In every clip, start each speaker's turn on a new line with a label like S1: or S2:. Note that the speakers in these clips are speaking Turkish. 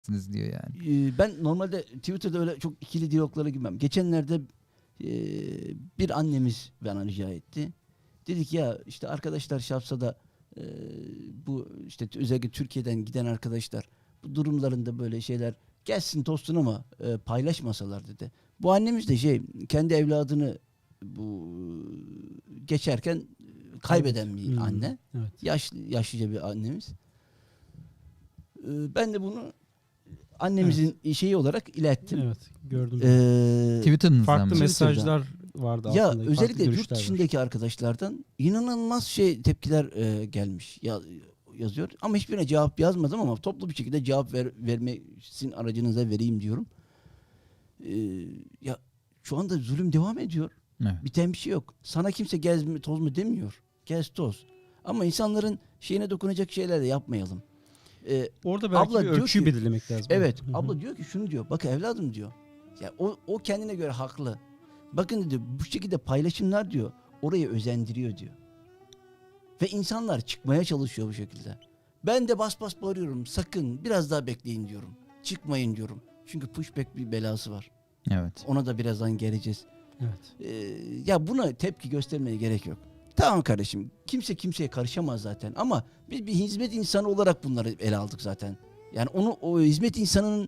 S1: diyor yani.
S2: Ben normalde Twitter'da öyle çok ikili diyaloglara girmem. Geçenlerde bir annemiz bana rica etti. Dedik ya işte arkadaşlar Şapsa'da bu işte özellikle Türkiye'den giden arkadaşlar bu durumlarında böyle şeyler gelsin tostun ama paylaşmasalar dedi. Bu annemiz de kendi evladını bu geçerken kaybeden bir anne.
S3: Evet.
S2: Yaşlıca bir annemiz. Ben de bunu annemizin şeyi olarak ilettim.
S3: Evet, gördüm.
S1: Twitter'ınızdan
S3: Farklı
S1: mı?
S3: mesajlar vardı
S2: Ya
S3: altında.
S2: özellikle
S3: farklı
S2: yurt
S3: görüşler var.
S2: dışındaki arkadaşlardan inanılmaz tepkiler gelmiş. Yazıyor. Ama hiçbirine cevap yazmadım ama toplu bir şekilde cevap vermesin aracınıza vereyim diyorum. Ya şu anda zulüm devam ediyor.
S1: Evet.
S2: Biten bir şey yok. Sana kimse gez mi toz mu demiyor. Gez toz. Ama insanların şeyine dokunacak şeyler de yapmayalım.
S3: Orada belki
S2: abla
S3: bir
S2: diyor
S3: ölçüyü
S2: ki-
S3: belirlemek lazım.
S2: Evet.
S3: Hı hı.
S2: Abla diyor ki şunu diyor. Bak evladım diyor. Ya o kendine göre haklı. Bakın diyor bu şekilde paylaşımlar diyor orayı özendiriyor diyor. Ve insanlar çıkmaya çalışıyor bu şekilde. Ben de bas bas bağırıyorum. Sakın biraz daha bekleyin diyorum. Çıkmayın diyorum. Çünkü pushback bir belası var.
S1: Evet.
S2: Ona da birazdan geleceğiz.
S3: Evet.
S2: Ya buna tepki göstermeye gerek yok. Tamam kardeşim. Kimse kimseye karışamaz zaten. Ama biz bir hizmet insanı olarak bunları ele aldık zaten. Yani o hizmet insanının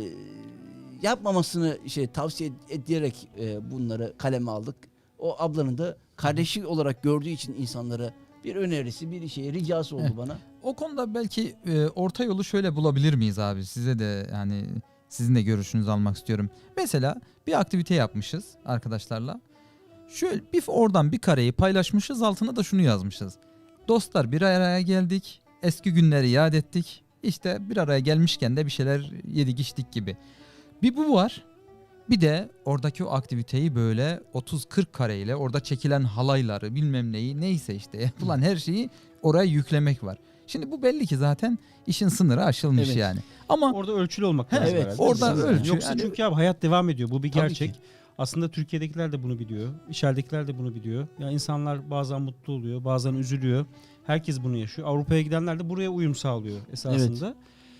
S2: yapmamasını tavsiye ederek bunları kaleme aldık. O ablanın da kardeşi olarak gördüğü için insanlara bir önerisi, bir ricası oldu
S1: Evet.
S2: bana.
S1: O konuda belki orta yolu şöyle bulabilir miyiz abi? Size de yani sizin de görüşünüzü almak istiyorum. Mesela bir aktivite yapmışız arkadaşlarla. Şöyle oradan bir kareyi paylaşmışız, altına da şunu yazmışız. Dostlar bir araya geldik, eski günleri yad ettik. İşte bir araya gelmişken de bir şeyler yedik içtik gibi. Bir bu var. Bir de oradaki o aktiviteyi böyle 30-40 kareyle orada çekilen halayları bilmem neyi neyse işte yapılan her şeyi oraya yüklemek var. Şimdi bu belli ki zaten işin sınırı aşılmış
S2: Evet.
S1: yani. Ama
S3: Orada ölçülü olmak
S2: He,
S3: lazım
S2: evet,
S3: herhalde.
S1: orada
S3: Kesinlikle.
S1: ölçü,
S3: Yoksa
S1: yani-
S3: çünkü abi hayat devam ediyor. Bu bir
S2: Tabii
S3: gerçek.
S2: ki.
S3: Aslında Türkiye'dekiler de bunu biliyor. İçeridekiler de bunu biliyor. Ya insanlar bazen mutlu oluyor, bazen üzülüyor. Herkes bunu yaşıyor. Avrupa'ya gidenler de buraya uyum sağlıyor esasında.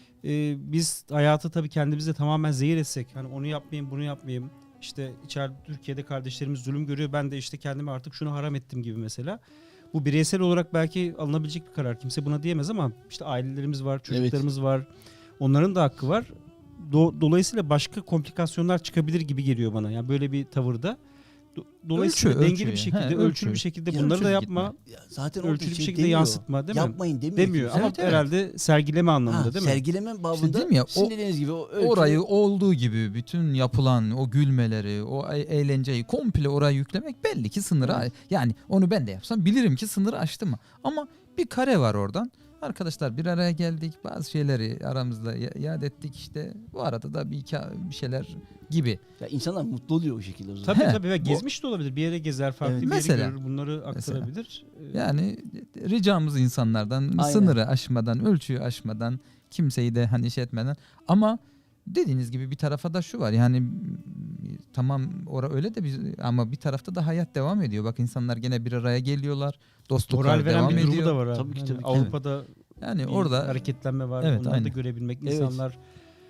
S3: Biz hayatı tabii kendimize tamamen zehir etsek, hani onu yapmayayım, bunu yapmayayım. İşte içeride Türkiye'de kardeşlerimiz zulüm görüyor. Ben de işte kendime artık şunu haram ettim gibi mesela. Bu bireysel olarak belki alınabilecek bir karar. Kimse buna diyemez ama işte ailelerimiz var, çocuklarımız var. Onların da hakkı var. Dolayısıyla başka komplikasyonlar çıkabilir gibi geliyor bana. Yani böyle bir tavırda. Dolayısıyla
S1: Ölçü,
S3: dengeli bir şekilde,
S1: he,
S3: ölçülü bir
S1: ölçü.
S3: şekilde
S1: Ölçülü
S3: bunları da
S1: gitme.
S3: yapma.
S2: Ya zaten orada
S3: Ölçülü bir şekilde
S2: demiyor.
S3: yansıtma, değil mi?
S2: Yapmayın demiyor.
S3: Demiyor
S2: kimse.
S3: ama
S1: Evet, evet.
S3: herhalde sergileme anlamında değil mi?
S2: Sergileme babında
S1: dedim ya,
S2: sizin dediğiniz gibi o ölçü,
S1: orayı olduğu gibi bütün yapılan o gülmeleri, o eğlenceyi komple oraya yüklemek belli ki sınırı. Yani onu ben de yapsam bilirim ki sınırı aştı mı. Ama bir kare var oradan. Arkadaşlar bir araya geldik, bazı şeyleri aramızda yad ettik işte. Bu arada da bir şeyler gibi.
S2: ya insanlar mutlu oluyor o şekilde o zaman.
S3: Tabii
S1: He,
S3: tabii. Ve
S1: bu-
S3: gezmiş de olabilir. Bir yere gezer, farklı
S2: Evet.
S3: bir yeri
S1: Mesela.
S3: görür. Bunları aktarabilir.
S1: Yani ricamız insanlardan
S2: Aynen.
S1: sınırı aşmadan, ölçüyü aşmadan, kimseyi de hani etmeden. Ama dediğiniz gibi bir tarafa da şu var yani tamam öyle de ama bir tarafta da hayat devam ediyor. Bak insanlar gene bir araya geliyorlar. Dostluklar
S3: Moral veren
S1: devam
S3: bir durumu
S1: ediyor.
S3: da var abi.
S2: Tabii ki,
S3: Yani
S2: tabii ki.
S3: Avrupa'da
S1: Yani
S3: bir
S1: orada
S3: hareketlenme var.
S1: Evet,
S3: Onları da
S1: aynen.
S3: görebilmek.
S2: Evet.
S3: İnsanlar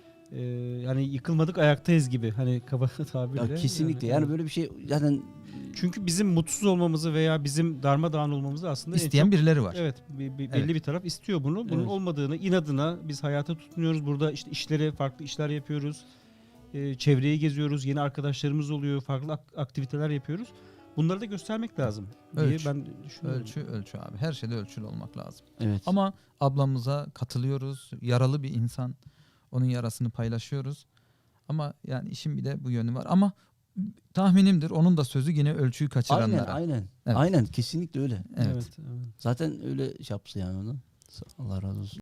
S3: yani yıkılmadık ayaktayız gibi. Hani kaba tabirle.
S2: Ya kesinlikle. Yani böyle bir şey zaten
S3: Çünkü bizim mutsuz olmamızı veya bizim darmadağın olmamızı aslında en
S1: isteyen
S3: çok-
S1: birileri var.
S3: Evet, belli
S1: Evet.
S3: bir taraf istiyor bunu. Bunun
S2: Evet.
S3: olmadığını, inadına biz hayata tutunuyoruz. Burada işte farklı işler yapıyoruz. Çevreyi geziyoruz. Yeni arkadaşlarımız oluyor. Farklı aktiviteler yapıyoruz. Bunları da göstermek lazım diye
S1: Ölçü.
S3: ben düşünüyorum.
S1: Ölçü abi. Her şeyde ölçülü olmak lazım.
S2: evet.
S1: Ama ablamıza katılıyoruz. Yaralı bir insan. Onun yarasını paylaşıyoruz. Ama yani işin bir de bu yönü var. Ama tahminimdir onun da sözü yine ölçüyü kaçıranlara.
S2: Aynen.
S1: Evet.
S2: Aynen kesinlikle öyle.
S1: Evet.
S3: Evet.
S2: Zaten öyle yaptı yani onu. Allah razı olsun.